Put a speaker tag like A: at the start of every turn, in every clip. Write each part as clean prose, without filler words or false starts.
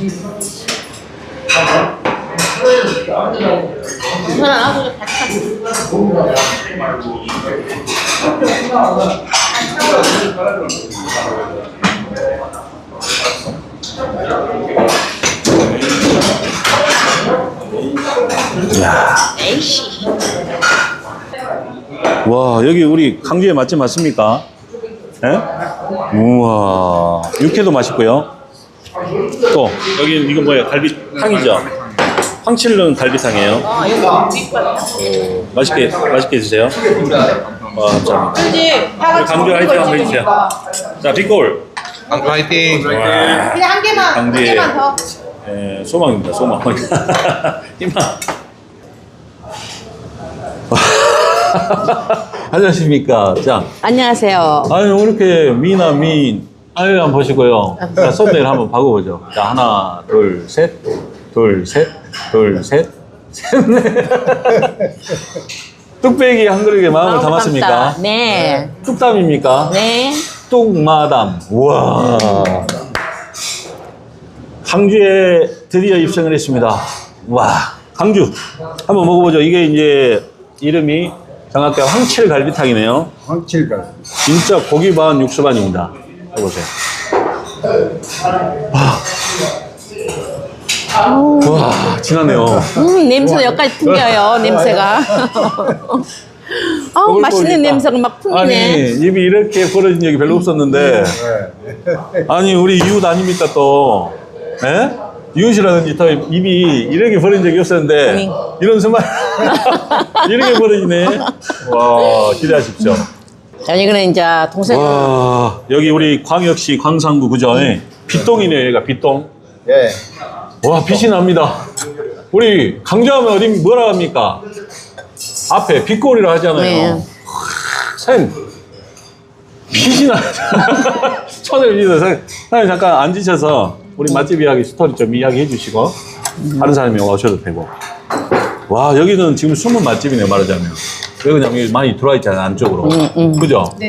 A: 야. 와, 여기 우리 강주의 맛집 맞습니까? 예? 우와, 육회도 맛있고요. 또 여기 이거 뭐예요? 갈비탕이죠? 황칠른 갈비탕이에요. 맛있게 드세요. 와, 감사합니다. 강주 화이팅 한번 해주세요. 자, 빅골.
B: 강주 화이팅.
C: 그냥 한 개만 더.
A: 예, 소망입니다, 소망. 희망. 안녕하십니까. 자,
C: 안녕하세요.
A: 아유, 이렇게 아유, 한번 보시고요. 자, 손대를 한번 박아보죠. 자, 하나, 둘, 셋, 둘, 셋, 둘, 셋, 셋, 넷. 뚝배기 한 그릇에 마음을 담았습니까?
C: 네.
A: 뚝담입니까?
C: 네.
A: 뚝마담. 우와. 강주에 드디어 입성을 했습니다. 와, 강주. 한번 먹어보죠. 이게 이제 이름이 정확하게 황칠갈비탕이네요.
B: 황칠갈.
A: 진짜 고기 반 육수 반입니다. 해보세요. 와, 진하네요.
C: 냄새 여기까지 풍겨요, 냄새가. 맛있는 냄새가 막 풍기네.
A: 아니, 입이 이렇게 벌어진 적이 별로 없었는데. 아니, 우리 이웃 아닙니까 또. 예? 이웃이라든지 더 입이 이렇게 벌어진 적이 없었는데. 이런 순간 이렇게 벌어지네. 와, 기대하십시오.
C: 자, 이거는 이제 동생.
A: 와, 여기 우리 광역시 광산구 그죠? 빗동이네요, 얘가 빗동.
B: 예.
A: 와, 빛이 납니다. 우리 강조하면 어디 뭐라 합니까? 앞에 빛골이라 하잖아요.
C: 네.
A: 선 빛이 나. 천을 믿어. 사장님 잠깐 앉으셔서 우리 맛집 이야기 스토리 좀 이야기해 주시고 다른 사람이 오셔도 되고. 와, 여기는 지금 숨은 맛집이네요, 말하자면. 왜 그러냐면 많이 들어와 있잖아요, 안쪽으로. 그죠? 네.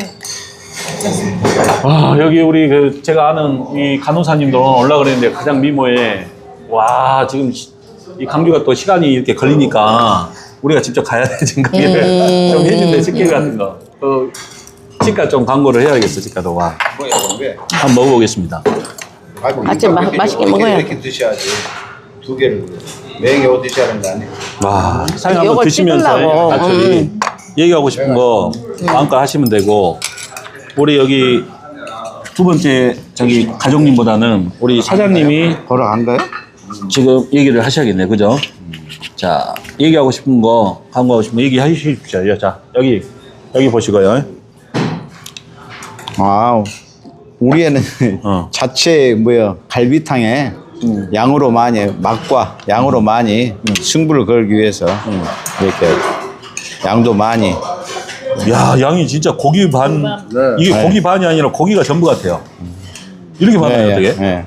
A: 와, 여기 우리 제가 아는 이 간호사님도 올라가 그랬는데 가장 미모에 와, 지금 이 강주가 또 시간이 이렇게 걸리니까 우리가 직접 가야 돼, 생각을 좀 해준대, 식혜 같은 거. 또 치과 좀 광고를 해야겠어, 치과도. 와.
B: 뭐야, 근데?
A: 한번 먹어보겠습니다.
B: 아이고,
C: 맛있게 먹어야
B: 이렇게 드셔야지. 두 개를. 매일 어디 드셔야 하는 거 아니에요?
A: 와, 사장님 한번
C: 이걸
A: 드시면서
C: 찍으려고.
A: 같이 얘기하고 싶은 거 마음껏 하시면 되고, 우리 여기 두 번째 저기 가족님보다는 우리 사장님이
B: 보러 간 거요?
A: 지금 얘기를 하셔야겠네, 그죠? 자, 얘기하고 싶은 거, 광고하고 싶은 거 얘기해 주십시오. 자, 여기 보시고요.
D: 아, 우리 애는 자체 갈비탕에 양으로 많이 맛과 양으로 많이 승부를 걸기 위해서 이렇게 양도 많이.
A: 야, 양이 진짜 고기 반, 이게
D: 네.
A: 고기 반이 아니라 고기가 전부 같아요. 이렇게 많아요, 어떻게?
D: 예.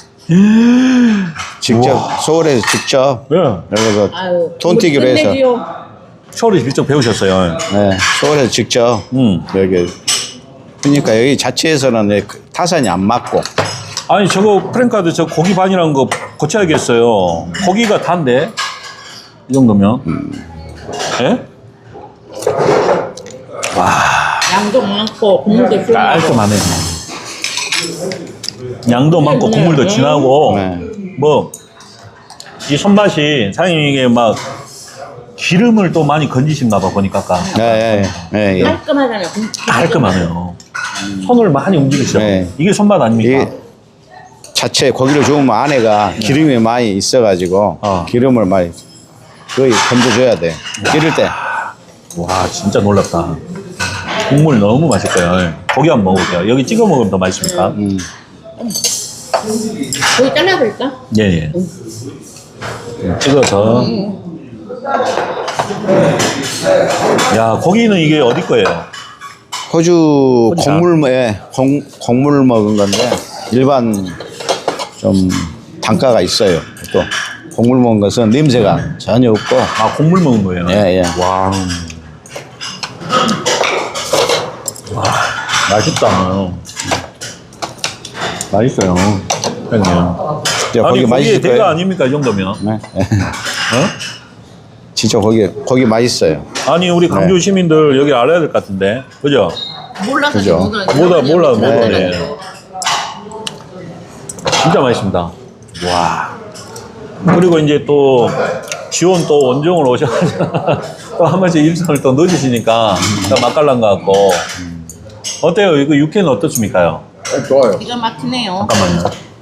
D: 직접 서울에서 직접
A: 예.
D: 그래서 톤튀기로 해서
A: 서울에 직접 배우셨어요.
D: 서울에서 직접 여기 그러니까 여기 자체에서는 타산이 안 맞고.
A: 아니, 저거 프랭카드 저 고기 반이라는 거 고쳐야겠어요. 고기가 단데 이 정도면. 예?
C: 양도 많고 국물도 훌륭하고.
A: 깔끔하네. 양도 많고 국물도 진하고.
D: 네.
A: 뭐 이 손맛이 사장님이 이게 막 기름을 또 많이 건지신가 봐, 보니까 아까.
D: 예.
C: 깔끔하잖아요.
A: 깔끔하네요. 손을 많이 움직이시죠.
D: 네.
A: 이게 손맛 아닙니까?
D: 이게 자체 고기를 주우면 안에가 기름이 많이 있어가지고 기름을 많이 거의 건져줘야 돼. 기를 때.
A: 와, 진짜 놀랍다. 국물 너무 맛있어요. 고기 한번 먹어볼게요. 여기 찍어 먹으면 더 맛있습니까?
C: 거기 잘라볼까?
A: 예. 찍어서. 야, 고기는 이게 어디 거예요?
D: 호주
A: 혼자?
D: 곡물 먹은 건데 일반 좀 단가가 있어요. 또 곡물 먹은 것은 냄새가 전혀 없고.
A: 아, 곡물 먹은 거예요?
D: 예.
A: 와. 와, 맛있다. 맛있어요. 형님.
D: 진짜
A: 아니
D: 거기
A: 거기에
D: 맛있을
A: 대가
D: 거예요.
A: 아닙니까 이 정도면?
D: 네.
A: 어?
D: 진짜 거기 맛있어요.
A: 아니 우리 강주 시민들 여기 알아야 될 것 같은데, 그죠?
C: 몰라서
D: 그죠.
A: 몰라 못
D: 네.
A: 오네. 진짜 맛있습니다. 와. 그리고 이제 또 지원 또 원종으로 오셔가지고 또 한 번씩 일정을 또 늦으시니까 또 맛깔난 것 같고. 어때요? 이거 육회는 어떻습니까요?
B: 좋아요.
C: 기가 막히네요.
A: 잠깐만요.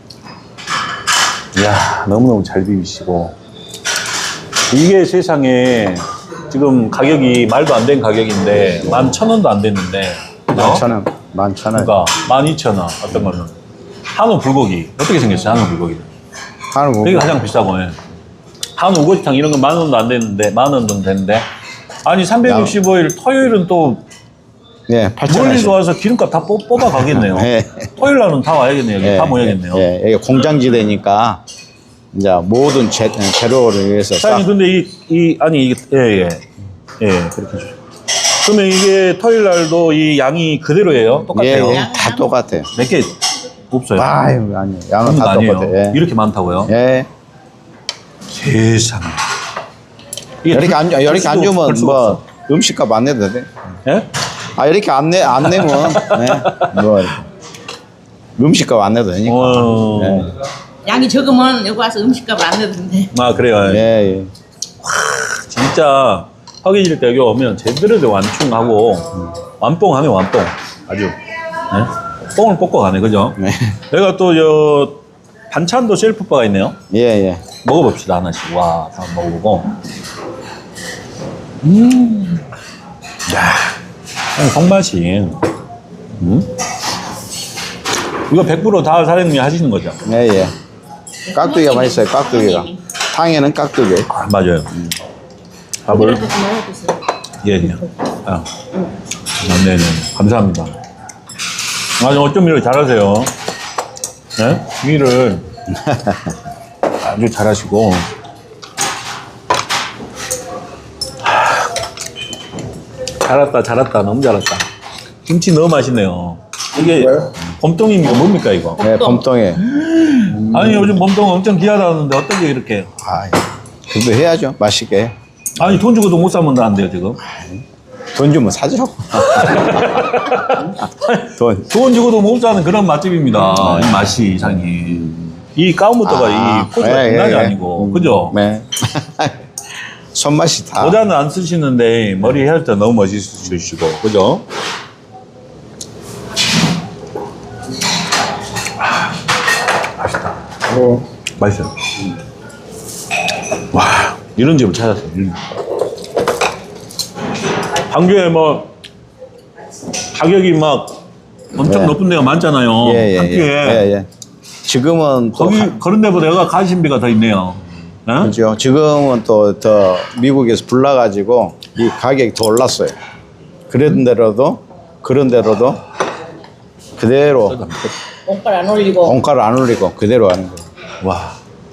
A: 이야, 너무너무 잘 비비시고. 이게 세상에 지금 가격이 말도 안 된 가격인데 11,000원도 안 됐는데. 그죠?
D: 11,000원. 11,000원.
A: 그러니까 12,000원 어떤 거는. 한우 불고기. 어떻게 생겼어요? 한우 불고기.
D: 한우
A: 이게 가장 비싸고. 예. 한우 우거지탕 이런 건 10,000원도 안 됐는데, 10,000원 정도 됐는데. 아니, 365일 토요일은 또
D: 예, 8,000원.
A: 멀리서 와서 기름값 다 뽑아 가겠네요.
D: 예.
A: 토요일 날은 다 와야겠네요. 여기 다 모여야겠네요.
D: 예, 이게 공장지대니까 이제 모든 재료를 위해서 싹
A: 사장님, 근데 아니, 이게, 예, 그렇게 해주세요. 그러면 이게 토요일 날도 이 양이 그대로예요? 똑같아요?
D: 예, 다 똑같아요.
A: 몇 개 없어요?
D: 아유, 아니요. 양은 다
A: 아니에요.
D: 똑같아요. 예.
A: 이렇게 많다고요?
D: 예.
A: 세상에. 이게
D: 이렇게 안
A: 볼
D: 주면
A: 수가
D: 뭐
A: 없어.
D: 음식값 안 내도 돼.
A: 예?
D: 아, 이렇게 안 내면 예. 뭐 음식값 안 내도 되니까.
A: 어.
D: 예.
C: 양이 적으면 여기 와서 음식값을 안 내도 된대.
A: 아, 그래요.
D: 예, 예.
A: 진짜 허기질 때 여기 오면 제대로 된 완충하고 완뽕하네, 완뽕. 아주. 네? 뽕을 뽑고 가네, 그죠?
D: 네.
A: 내가 또 반찬도 셀프바가 있네요.
D: 예, 예.
A: 먹어봅시다, 하나씩. 와, 한번 먹어보고. 야, 성맛이. 이거 100% 사장님이 하시는 거죠?
D: 예, 예. 깍두기가 맛있어요, 깍두기가. 탕에는 깍두기.
A: 아, 맞아요. 밥을.
C: 이렇게 먹어보세요.
A: 예, 예. 아, 네네. 감사합니다. 아주 어쩜 일을 잘하세요. 네? 일을 아주 잘하시고. 잘했다. 너무 잘했다. 김치 너무 맛있네요. 이게 봄동입니까? 뭡니까, 이거?
D: 예, 봄동에.
A: 아니, 요즘 봄동 엄청 귀하다는데 어떻게 이렇게.
D: 아, 그래도 해야죠. 맛있게.
A: 아니, 돈 주고도 못 사면다는데요, 지금.
D: 돈 주면 사죠.
A: 돈 주고도 못 사는 그런 맛집입니다. 이 맛이 이상이. 이 까운부터가 이 포즈가 장난이 아니고, 그죠?
D: 네. 손맛이 다.
A: 모자는 안 쓰시는데 머리 헤어때 너무 멋있으시고, 그죠? 맛있다. 맛있어요. 와, 이런 집을 찾았어요. 광주에 뭐 가격이 막 엄청
D: 네.
A: 높은 데가 많잖아요.
D: 예, 예,
A: 한
D: 예.
A: 끼에.
D: 예, 예. 지금은 또
A: 거기 그런 데보다 여기가 가심비가 더 있네요. 어?
D: 그렇죠. 지금은 또 더 미국에서 불나가지고 이 가격이 더 올랐어요. 그런 데로도 그대로
C: 옷갈 안 올리고.
D: 원가를 안 올리고 그대로 하는 거예요.
A: 와,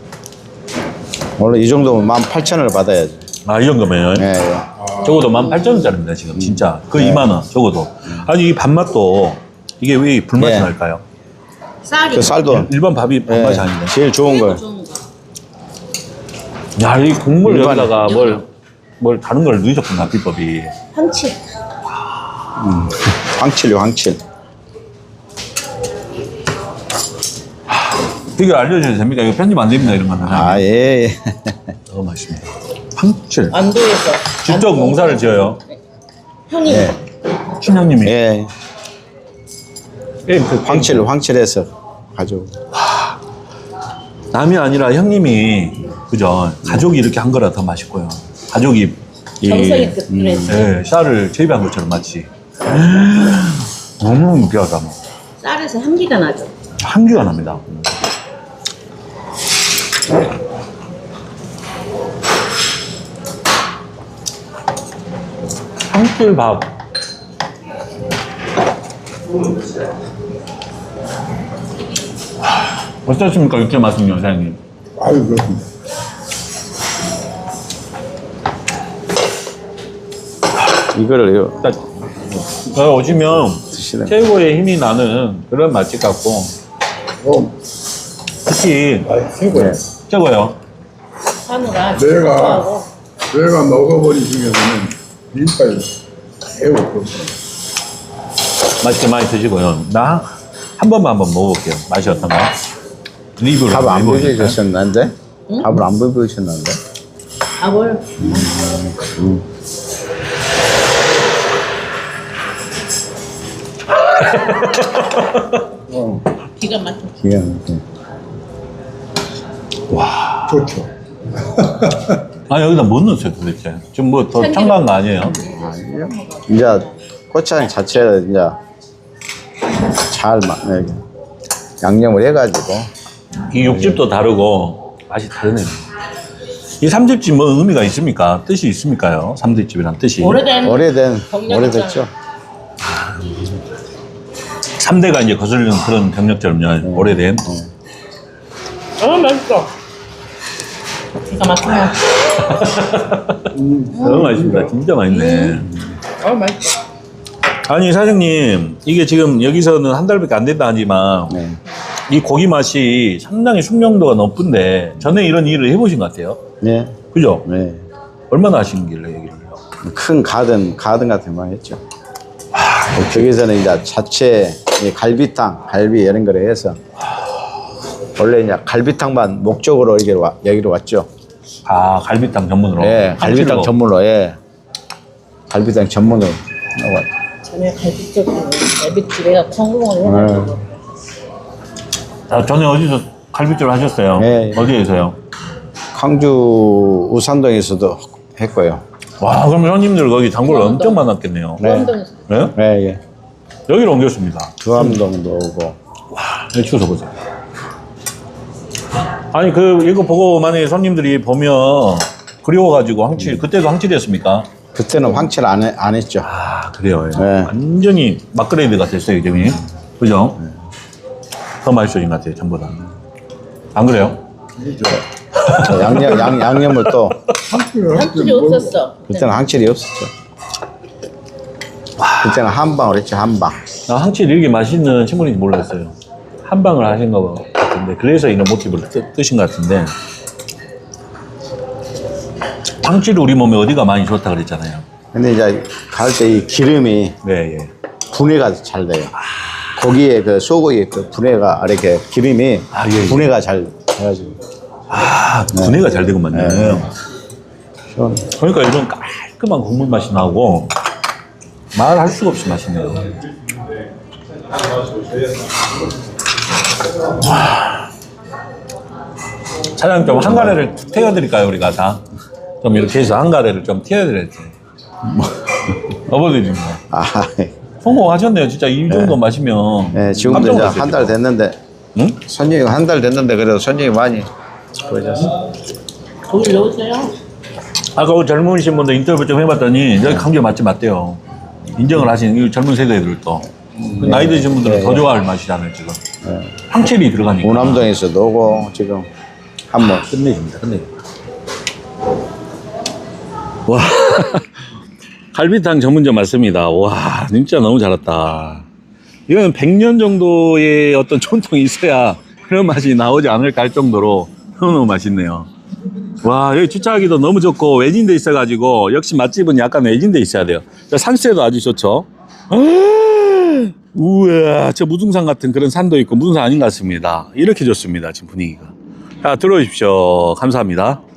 D: 원래 이 정도면 18,000원을 받아야죠.
A: 이 정도면
D: 예, 예.
A: 적어도 18,000원짜리입니다 지금 진짜. 그
D: 네.
A: 2만 원 적어도. 아니 이 밥맛도 이게 왜 불맛이
D: 네.
A: 날까요?
C: 쌀이.
D: 그 쌀도
A: 일반 밥이
D: 예,
A: 밥맛이 아닌데.
D: 제일 좋은 거.
C: 좋은 거.
A: 야, 이 국물
D: 일반-
A: 여기다가 뭘 다른 걸 넣으셨구나 비법이.
C: 한치.
D: 황칠요, 황칠.
A: 이거 알려주셔도 됩니까? 이거 편집 안 됩니다 이런 거는.
D: 아, 예, 예.
A: 너무 맛있습니다. 황칠.
C: 안도에서.
A: 직접 농사를 지어요.
C: 형님.
D: 예.
A: 친형님이.
D: 예.
A: 게임 그
D: 황칠해서 가지고.
A: 남이 아니라 형님이 그죠? 가족이 이렇게 한 거라 더 맛있고요. 가족이
C: 정성이 그래서.
A: 예, 쌀을 재배한 것처럼 마치 너무 귀하다. 뭐.
C: 쌀에서 향기가 나죠.
A: 향기가 납니다. 황칠밥. 어떻습니까? 육회 맛은요, 사장님?
B: 아유, 그렇습니다.
D: 이거를요.
A: 딱 오시면
D: 드시는
A: 최고의 힘이 나는 그런 맛집 같고
B: 어,
A: 특히
B: 최고야.
A: 최고예요.
C: 한우가
E: 내가
C: 좋아하고
E: 내가 먹어버린 중에서는 민파이 최고 좋습니다.
A: 맛있게 많이 드시고요. 나 한 번만 한번 먹어볼게요. 맛이 어떤가? 리뷰를
D: 밥 안
A: 한번 해보니까.
D: 비벼주셨는데? 밥을 안 비벼주셨는데?
C: 밥을 기가 막혀.
D: 기가 막혀.
E: 좋죠.
A: 아 여기다 뭐 넣었어요 도대체? 지금 뭐 더 첨가한 거 아니에요?
D: 이제 고추장 자체를 이제 잘 이렇게 양념을 해가지고
A: 이 육즙도 다르고 맛이 다르네요. 이 삼집집 뭐 의미가 있습니까? 뜻이 있습니까요? 삼집집이란 뜻이.
D: 오래된
C: 경력이잖아.
D: 오래됐죠.
A: 3대가 이제 거슬리는 그런 경력처럼요. 오래된.
C: 맛있어. 기가 막히네.
A: 너무 맛있습니다. 진짜 맛있네.
C: 맛있어.
A: 아니 사장님 이게 지금 여기서는 한 달밖에 안 됐다 하지만
D: 네.
A: 이 고기 맛이 상당히 숙명도가 높은데 전에 이런 일을 해보신 것 같아요.
D: 네.
A: 그죠?
D: 네.
A: 얼마나 하시길래 여기를요?
D: 큰 가든 같은 거 했죠. 저기서는 이제 자체 이 갈비탕, 갈비 이런 거를 해서 원래 이제 갈비탕만 목적으로 여기로 왔죠.
A: 아 갈비탕 전문으로?
D: 예, 갈비탕
A: 한치로.
D: 전문으로, 예. 갈비탕 전문으로.
C: 전에 갈비집에가 성공을 해가지고
A: 아, 전에 어디서 갈비찜을 하셨어요?
D: 예, 예.
A: 어디에서요?
D: 광주 우산동에서도 했고요.
A: 와 그럼 손님들 거기 단골 엄청 많았겠네요.
C: 수원동에서
A: 네?
D: 예, 예.
A: 여기로 옮겼습니다.
D: 두암동도 오고.
A: 네, 추서 보세요. 아니 이거 보고 만약에 손님들이 보면 그리워가지고 황칠 그때도 황칠이었습니까?
D: 그때는 황칠 안 했죠.
A: 아 그래요. 예.
D: 네.
A: 완전히 막그레이드가 됐어요 이점이. 그죠? 더 맛있어진 것 같아요 전보다. 안 그래요?
D: 양념을 또
C: 한줄이 없었어.
D: 그때는 황칠이 없었죠. 그때는 한방을 했죠. 한방.
A: 나 황칠 이렇게 맛있는 친구인지 몰랐어요. 한 방을 하신 것 같은데 그래서 이런 모티브를 뜨신 것 같은데 황칠 우리 몸에 어디가 많이 좋다 그랬잖아요.
D: 근데 이제 갈 때 이 기름이
A: 네, 예.
D: 분해가 잘 돼요. 고기에 그 소고기 그 분해가 이렇게 기름이
A: 아, 예, 예.
D: 분해가 잘 돼가지고.
A: 아 분해가 잘 되고만요.
D: 네. 시원.
A: 그러니까 이런 깔끔한 국물 맛이 나고 말할 수가 없이 맛있네요. 와. 사장님 좀 한 가래를 태워드릴까요 우리가 다? 좀 이렇게 해서 한 가래를 좀 태워드려야지. 어버드립니다.
D: 아,
A: 성공하셨네요. 진짜 이 정도 마시면.
D: 네, 지금도
A: 깜짝
D: 이제
A: 놀랐어요,
D: 한 달
A: 지금.
D: 됐는데
A: 응?
D: 손님이 한 달 됐는데 그래도 손님이 많이 보여졌어.
C: 거기 넣으세요.
A: 아까 그 젊으신 분들 인터뷰 좀 해봤더니 여기 강조 맛집 맞대요. 인정을 하시는 이 젊은 세대들도. 그 나이 드신 분들은 더 좋아할 맛이잖아요 지금. 황칠이 들어가니까.
D: 오남동에서도 오고 지금 한번
A: 끝내줍니다. 끝내줍니다. 와 갈비탕 전문점 맞습니다. 와 진짜 너무 잘했다. 이건 100년 정도의 어떤 전통이 있어야 그런 맛이 나오지 않을까 할 정도로 너무 맛있네요. 와 여기 주차하기도 너무 좋고 외진돼 있어가지고 역시 맛집은 약간 외진돼 있어야 돼요. 산세도 아주 좋죠. 우와 저 무등산 같은 그런 산도 있고 무등산 아닌 것 같습니다. 이렇게 좋습니다 지금 분위기가. 자 들어오십시오. 감사합니다.